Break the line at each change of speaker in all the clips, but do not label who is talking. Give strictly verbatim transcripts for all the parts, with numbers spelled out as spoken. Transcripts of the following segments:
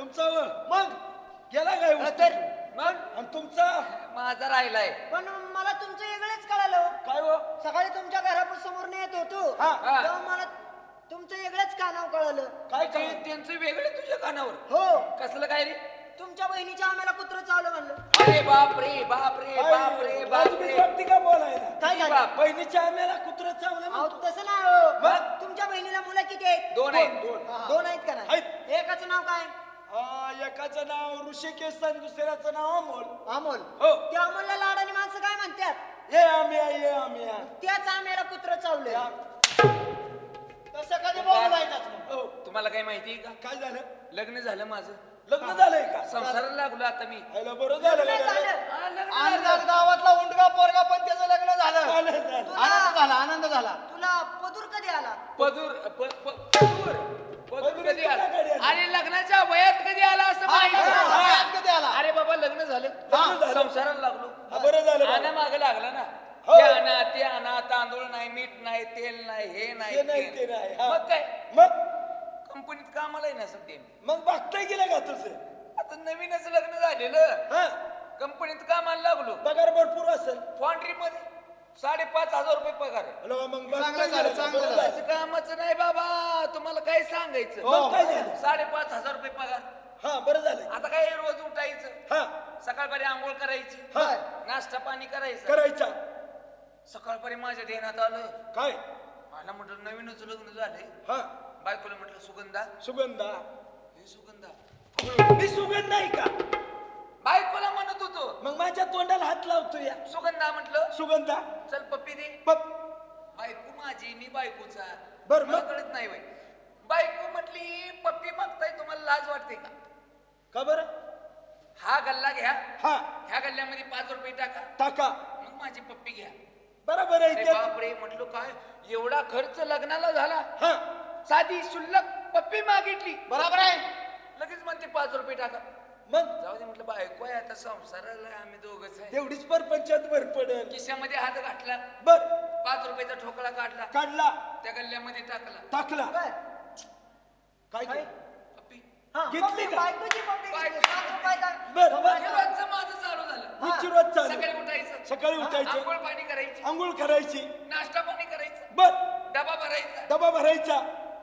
तुमचा व मग गेला काय
तर
मग
आणि तुमचा
माझा राहिलाय.
पण मला तुमचं वेगळंच कळालं.
काय हो
सकाळी तुमच्या घरासमोर येत होतो
हा.
तेव्हा मला तुमचं वेगळंच कानाव कळलं.
काय
ते-
काय
त्यांचं वेगळे तुझ्या कानावर.
हो
कसलं काय रे?
तुमच्या बहिणीच्या आम्हाला कुत्र चावलं म्हणलं.
अरे बाप रे बाप रे बाप रे बाप रे.
वाटते का बोलायला
काय झालं?
बाप.
बहिणीच्या आम्याला कुत्र चावलं
अहो
म्हणतो.
तसं नाही हो.
मग?
तुमच्या बहिणीला मुलं किती आहेत?
दोन आहेत.
दोन.
हा. दोन आहेत का नाही?
आहेत.
एकाचं नाव काय?
आ, एकाचं नाव ऋषिकेश आणि दुसऱ्याचं नाव अमोल.
अमोल.
हो
त्या अमोलला लाडाने माणसं काय म्हणतात?
ये आम्या ये आम्या
त्याच आम्हाला कुत्र चावलं.
त्या-
तसं कधी बोलायचंच नाही.
हो
तुम्हाला काही माहिती आहे का?
काय झालं
लग्न झालं माझं.
लग्न झालंय का
संसाराला लागलो आता मी.
आयला बरं झालं
लग्न
का?
झालं.
हा, लग्न
आणि
झालं.
गावातला उंडगा पोरगा पण त्याचं लग्न झालं.
झालं, झालं.
तुला
आनंद झाला आनंद झाला.
तुला पदूर कधी आला?
पदूर प- प- पदूर पदूर
पदूर
कधी आला?
कधी आला?
आणि लग्नाच्या वयात कधी आला असं
हा,
माहिती
हा,
नाही.
वयात कधी आला?
अरे बाबा लग्न झालं.
लग्न झालं.
संसाराला लागलो.
हा, बरं झालं
आणा
बाबा.
माग लागला ना.
हो.
हे आणा ते आणा, तांदूळ नाही, मीठ नाही, तेल नाही, हे नाही,
हे नाही,
ते
ते नाही, हा.
मग काय
मग
कंपनीत कामाला आहे ना सध्या मी.
मग बघताय गेलं का तुझं
आता नवीनच लग्न झालेलं.
हा
कंपनीत कामाला लागलो.
पगार भरपूर असेल
फॉन्ड्री मध्ये साडेपाच हजार रुपये पगार आहे.
हॅलो, मग
चांगलं
बघताय
झालं,
गेलं का?
चांगलं
बरं
झालं.
असं कामाचं नाही बाबा, तुम्हाला काय सांगायचं.
हो.
मग काय झालं
साडेपाच हजार रुपये पगार.
हा बरं झालं
आता काय रोज उठायचं,
हा
सकाळपारी आंघोळ करायची,
हा
नाश्ता पाणी करायचं.
करायचा
सकाळपारी माझ्या ध्यानात आलं,
काय
मला म्हटलं नवीनच लग्न झालंय.
हा
बायकोला म्हटलं सुगंधा,
सुगंधा
हे सुगंधा.
मी सुगंध नाही का
बायकोला म्हणत होतो
मग माझ्या तोंडाला हात लावतो या
सुगंधा, म्हटलं
सुगंधा
चल पप्पी दे.
पप
बायको माझी, मी बायकोचा.
बरं,
मला
मग?
कळत नाही बाई. बायको म्हटली पप्पी मागताय, तुम्हाला लाज वाटते का?
का बरं
हा गल्ला घ्या,
हा
ह्या गल्ल्यामध्ये पाच रुपये टाका,
टाका
मग माझी पप्पी घ्या.
बरोबर आहे
अरे
ते
बापरे, म्हटलं काय एवढा खर्च लग्नाला झाला,
हा
साधी शुल्लक पप्पी मागितली,
बरोबर आहे.
लगेच म्हणते पाच रुपये टाका.
मग
जाऊ दे म्हटलं, बायको आहे आता, संसाराला आहे, आम्ही दोघच आहे.
तेवढीच परपंचात भर पडेल
खिशामध्ये हात घातला,
बर
पाच रुपयाचा ठोकळा काढला,
काढला
त्या गल्ल्यामध्ये टाकला,
टाकला
काय?
काय
काय?
केलं?
पप्पी.
हा,
घेतली
पप्पी,
का?
बायकोची पप्पी घेतली.
बायको-
पाच रुपयाचा.
बर, बर.
हे रोजचं माझं चालू झालं.
हा.
रोजची रोज चालू
सकाळी उठायचं,
सकाळी उठायचं
आंघोळ पाणी करायची,
आंघोळ करायची
नाश्ता पाणी करायचं,
बर
डबा भरायचा,
डबा भरायचा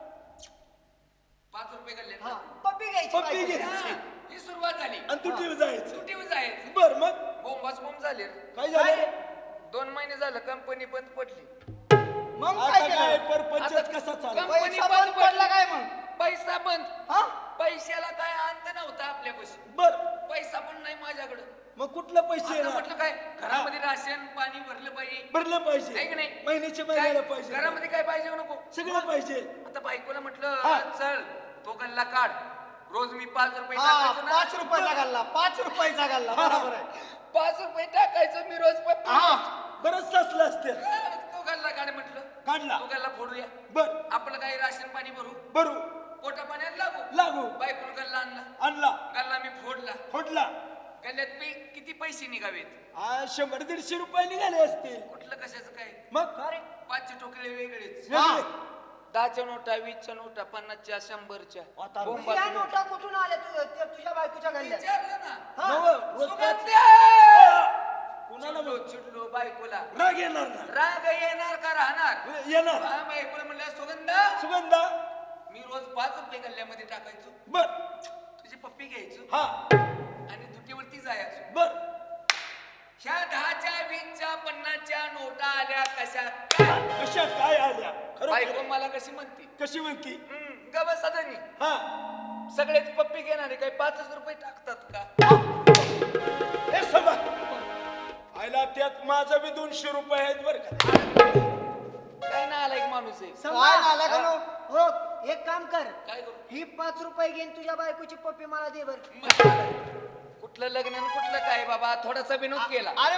पाच रुपये गल्ल्यात
हा,
टाकून.
पप्पी घ्यायची
पप्पी
बायकोची.
घ्यायची.
हा, ही सुरुवात झाली.
आणि तू टीव्ही जायचं
सुट्टीवर जायचं,
बर मग
बोंबाच बोंब झाले.
काय झालं
दोन महिने झालं कंपनी बंद पडली.
मग
आता
काय
काय
केलं?
परपंचात
आता
कसा चालू
कम-
पैसा बंद पडला काय मग?
पैसा बंद.
हा
पैशाला काय अंत नव्हता आपल्यापाशी.
बर
पैसा पण नाही माझ्याकडे.
मग कुठलं पैसे
आता
येणार
म्हटलं काय, घरामध्ये राशन पाणी भरलं पाहिजे,
भरलं
आहे की
पाहिजे
नाही?
महिन्याच्या
काय,
महिन्याला पाहिजे
घरामध्ये काय पाहिजे हो नको.
सगळं पाहिजे
आता बायकोला म्हटलं
हा.
चल तो गल्ला काढ, रोज मी पाच रुपये
हा
टाकायचो ना.
पाच रुपयाचा घालला पाच रुपयाचा घालला बरोबर आहे.
पाच रुपये टाकायचो मी रोज पप्पी.
हा
बरंच साचलं असते
हा, तो गल्ला काढ म्हटलं,
काढला
तो गल्ला फोडूया,
बर
आपलं काही राशन पाणी भरू,
भरू
पोटा पाण्याला लागू.
लागू
बायकोला गल्ला आणला,
आणला
गल्ला मी फोडला.
फोडला
गल्ल्यात पै किती पैसे निघावेत,
आ, शंभर दीडशे रुपये निघाले असतील
कुठलं कशाचं काय.
मग
अरे,
पाचशे टोकले वेगळेच,
वेगळे.
दहाच्या नोटा, वीसच्या नोटा, पन्नासच्या, शंभरच्या.
आता
बोंबाचं
या
नाही.
नोटा कुठून आल्या तु- त्या तुझ्या बायकोच्या गल्ल्यात?
विचारलं ना.
हा.
नवं, रोज पाच-
सुगंध्या!
कुणाला
चिडलो
मग
चिडलो बायकोला,
राग येणार ना
राग येणार का राहणार.
येणार
हा, बायकोला म्हणलं सुगंधा,
सुगंधा
मी रोज पाच रुपये गल्ल्यामध्ये टाकायचो,
बर
तुझी पप्पी घ्यायचो
हा
आणि दुटीवरती जायचो.
बर
ह्या दहाच्या, वीसच्या, पन्नासच्या नोटा आल्या कशा काय?
कशा काय आल्या
बायको
खरं
मला कशी म्हणते,
कशी म्हणती
गब सदनी
हा
सगळेच पप्पी घेणारे काय पाचच रुपये टाकतात का?
हे सभा आयला त्यात माझं बी दोनशे रुपये आहेत बर का
काय ना आला एक माणूस आहे.
काय झालं का नो?
हो, एक काम कर,
काय करू?
ही पाच रुपये घेऊन तुझ्या बायकोची पप्पी मला दे बर.
मग कुठलं लग्न आणि कुठलं काय बाबा, थोडासा विनोद केला.
अरे